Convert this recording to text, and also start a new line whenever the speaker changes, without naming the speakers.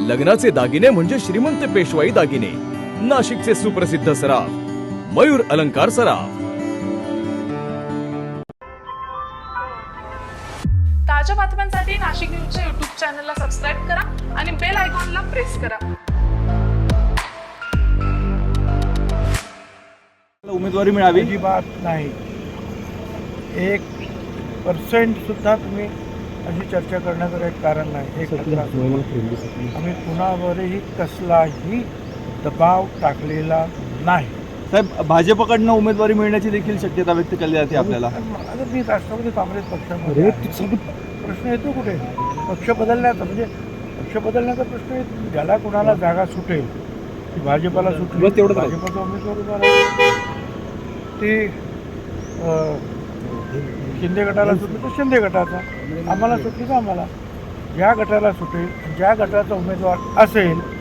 लग्नाचे दागिने म्हणजे श्रीमंत पेशवाई दागिने. नाशिकचे सुप्रसिद्ध सराफ मयूर अलंकार सराफ.
ताज्या बातम्यांसाठी नाशिक न्यूजच्या यूट्यूब चॅनलला सबस्क्राईब करा आणि बेल आयकॉनला प्रेस करा.
उमेदवारी मिळावी
अजिबात नाही. 1% सुद्धा तुम्ही अशी चर्चा करण्याचं काही कारण नाही. हे आम्ही कुणावरही कसलाही दबाव टाकलेला नाही.
साहेब, भाजपकडनं उमेदवारी मिळण्याची देखील शक्यता व्यक्त केली जाते आपल्याला.
आता मी राष्ट्रवादी काँग्रेस पक्षामध्ये आहे. प्रश्न येतो कुठे पक्ष बदलण्याचा, म्हणजे पक्ष बदलण्याचा प्रश्न येतो. ज्याला कुणाला जागा सुटेल ती भाजपला सुटली भाजपचा उमेदवार उभा राहील. ती शिंदे गटाला सुटली तर शिंदे गटाचा, आम्हाला सुटली तर आम्हाला. ज्या गटाला सुटेल ज्या गटाचा उमेदवार असेल